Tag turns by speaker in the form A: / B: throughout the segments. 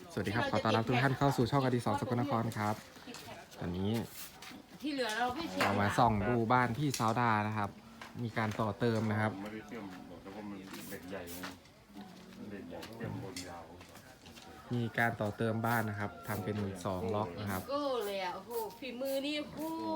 A: สวัสดีครับขอต้อนรับทุกท่านเข้าสู่ช่องอดิศรสกลนครครับตอนนี้
B: ที่เหลือเราไม่เสีย
A: เรามาส่องดูบ้านพี่ซาวดานะครับ มีการต่อเติมนะครับ
C: ไม่ได้เชื่อมบอกแต่ว่ามันเหล็กใหญ่ไงเหล็กใหญ่เชื่อมบนยาว
A: มีการต่อเติมบ้านนะครับทำเป็น2ล็อกนะครับ
B: โก้เลยอ่ะโอ้โหฝีมือนี่โอ้โห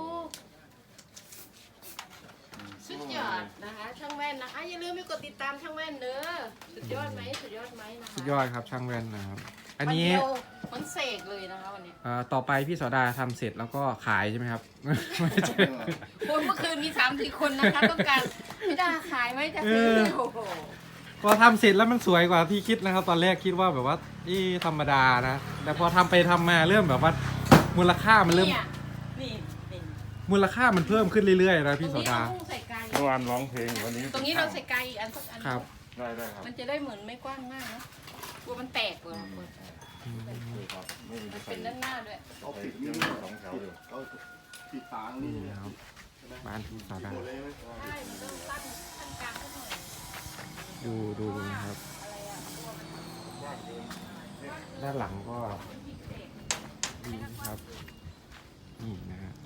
B: สุดยอดนะคะช่างแว่นนะคะอย่าลืมไปกดติดตามช่างแว่นเด้อสุดยอดไหมสุดยอดไหมนะคะ
A: สุดยอดครับช่างแว่นนะครับ อันนี้
B: วัเดียวมันเสกเลยนะคะวันนี้
A: ต่อไปพี่ซาวดาทำเสร็จแล้วก็ขายใช่ไหมครับ ไม่ใช่
B: คนเมื่อคืนมี3-4 คนนะคะต้องการไม่ได้ขายไหมจะซื้อโอ้โห
A: พอทำเสร็จแล้วมันสวยกว่าที่คิดนะครับ ตอนแรกคิดว่าแบบว่าธรรมดานะแต่พอทำไปทำมาเริ่มแบบว่ามูลค่ามันเริ่ม
B: เนี่ยนี่นี่
A: มูลค่ามันเพิ่มขึ้นเรื่อยๆนะ
B: ตร
A: พี่
B: ง
A: ซา
B: นี้
A: วดา
B: เราพุ่งใส่ไกล
C: เมื่อวานร้องเพลงวันนี้
B: ตรงนี้เราใส่ไกลอีกอันสักอัน
A: ครับ
C: ได้ครับ
B: มันจะได้เหมือนไม่กว้างมากนะกลัวมันแตกเลย
C: ครับไม่มี
B: มัน
C: ใคร
B: เป็นด้านหน้าด้วย
C: เอาปิดนี่สองแถวเลย
D: เอาปิดฝางนี่
A: นี่นะครับบ้านพี่ซาวดา
D: หมดเลยไหม
B: ใช่มันต้องตั้งขั้นกลางสักหน่อย
A: ดูนะครับ
B: อะไรอ่ะกลัวมัน
A: ด้านหลังก็ดีครับนี่นะฮะ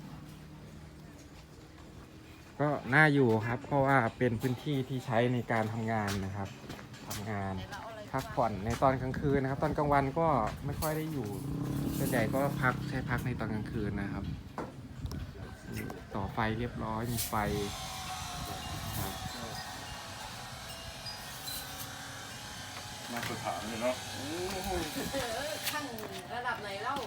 A: ก็น่าอยู่ครับเพราะว่าเป็นพื้นที่ที่ใช้ในการทำงานนะครับทำงาน
B: ไหนเราเอาอะไร
A: พักผ่อนในตอนกลางคืนนะครับ ตอนกลางวันก็ไม่ค่อยได้อยู่ส่วนใหญ่ก็ใช้พักในตอนกลางคืนนะครับต่อไฟเรียบร้อยมีไฟครับ
C: มาตรฐานเลยเนาะ
B: ข้างระดับไหนเล่า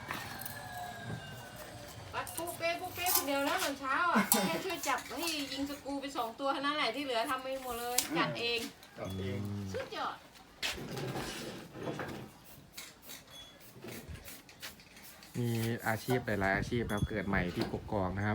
B: วัดปุ๊เป๊ะคนเดียวนะตอนเช้าอ่ะแค่ช่วยจับให้ยิงสกรูไป2 ตัวเท่านั้นแหละที่เหลือทำไม่หมดเลยจัดเอง
D: จับเอง
B: สุดยอด
A: มีอาชีพหลายๆอาชีพครับเกิดใหม่ที่กกอกนะครับ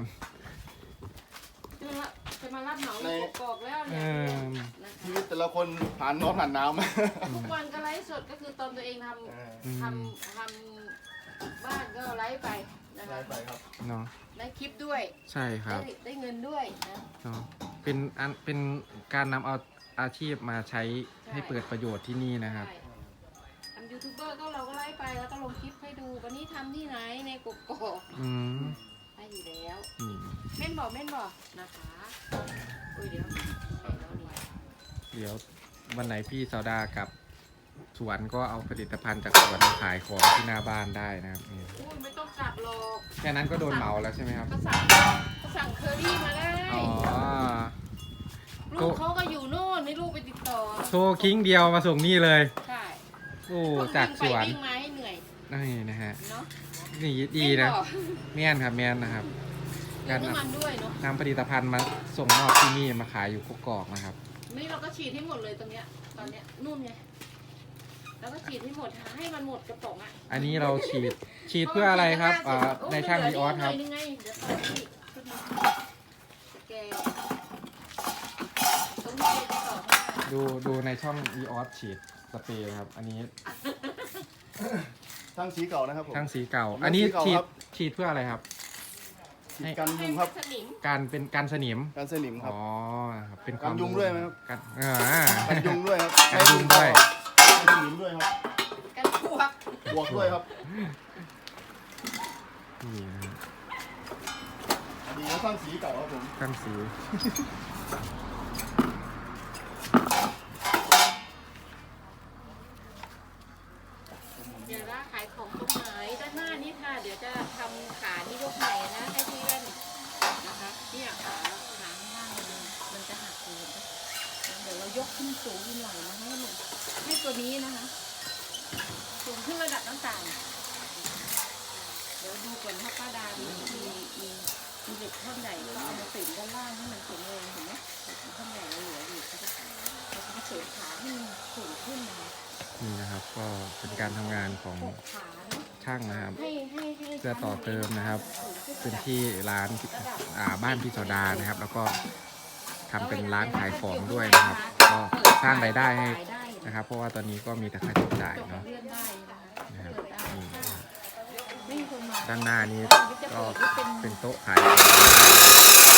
B: จะมารับเหมาอยู่กอกแล้ว
A: เอ
B: เนี่ย
A: อ
D: ชีวิตแต่ละคนผ่านร้อนผ่านหนาวมา
B: ทุกวันก็ไลฟ์สดก็คือตอนตัวเองทำบ้านก็ไลฟ์ไปนะ
D: ได้
B: คะ
D: ไปครับ
A: เนาะ
B: ได้คลิปด้วย
A: ใช่ครับ
B: ได้เงินด้วยนะ
A: เนาะเป็นการนำเอาอาชีพมาใช้ให้เปิดประโยชน์ที่นี่นะครับ
B: ใช่ทำยูทูบเบอร์ก็เราก็ไลฟ์ไปแล้วก็ลงคลิปให้ดูวันนี้ทำที่ไหนในกกอก
A: อืม
B: ได้อยู่แล้ว
A: นี่
B: เม่นบอกนะคะอุ้ยเดี๋ยวเดี๋ยว
A: เดี๋ยววันไหนพี่ซาวดากับสวนก็เอาผลิตภัณฑ์จากสวนมาขายของที่หน้าบ้านได้นะครับนี่
B: อุ้ยไม่ต้องกลับหรอก
A: แค่นั้นก็โดนเหมาแล้วใช่ไหมครับ
B: ก็สั่งเคอรี่มาได้
A: อ๋อ
B: ลูกเขาก็อยู่โน่นให้ลูกไปติดต่อ
A: โทรคิงเดียวมาส่งนี่เลย
B: ใช่
A: โอ้จากสวน
B: วิ่งมาให้เหนื่อย
A: นี่นะฮะ
B: เนาะ
A: นี่ดีนะแม่นครับแม่นนะครับ
B: เติมน้ำมันด้วยเนาะ
A: นำผลิตภัณฑ์มาส่งมอบที่นี่มาขายอยู่กกอกนะครับ
B: นี่เราก็ฉีดให้หมดเลยตรงเนี้ยตอนเนี้ยนุ่มไงแล้วก็ฉีดให้หมดให้มันหมดกระป๋องอ่ะ
A: อันนี้เราฉีดเพื่ออะไรครับในช่างดีออสครับ
B: เดี๋ยวต่อที่ขึ้นมาสแกนตรงนี้จะต่อให้
A: ดูในช่องดีออสฉีดสเปรย์ครับ อันนี้
D: ช่างสีเก่านะครับผม
A: ช่างสีเก่า
D: ช่างสี
A: อันนี้
D: เก่าครับ
A: ฉีดเพื่ออะไรครับ
D: ฉีดกันยุงครับ
B: สนิม
A: การเป็นการสนิม
D: กันสนิมครับ
A: อ๋อครับเป็นควา
D: กั
A: ม
D: นยุงด้วยไหมครับ
A: กัน
D: กันยุงด้วยครับ
A: กันยุงด้วย
D: กันสนิมด้วยครับ
B: กันพวก
D: บวกด้วยครับ
A: นี่นะครับ
D: อันนี้ก็ช่างสีเก่าครับผม
A: ช่างสี
B: เดี๋ยวว่าขายของตรงไหนด้านหน้านี่ค่ะ เดี๋ยวจะทำขาที่ยกใหม่นะให้พี่แว่นนะคะเนี่ยขาข้างล่างมันจะหักเลยเดี๋ยวเรายกขึ้นสูงขึ้นหน่อยนะให้ตัวนี้นะคะสูงขึ้นระดับน้ำตาลเดี๋ยวดูก่อนถ้าป้าดามีเด็กท่อนใหญ่ก็เอามาติดด้านล่างให้มันแข็งแรงเห็นไหมเด็กท่อนใหญ่เหลืออยู่ก็จะเสริมขาให้มันสูงขึ้นนะคะ
A: นี่นะครับ ก็เป็นการทำงานของ
B: หกขาเนาะ
A: ช่างนะครับ
B: ให้
A: เพื่อต่อเติมนะครับ พื้นที่ร้านบ้านพี่ซาวดานะครับ แล้วก็ทำเป็นร้านขายของด้วยนะครับ ก็สร้างรายได้ให้นะครับ เพราะว่าตอนนี้ก็มีแต่ค่าใช้จ่ายเนาะ
B: เลื่อนได้นะคะ
A: นะครับ
B: เปิดได้
A: นี่นะครับ
B: ไม่มีคนมา
A: ด้านหน้านี้ก็เป็นโต๊ะขาย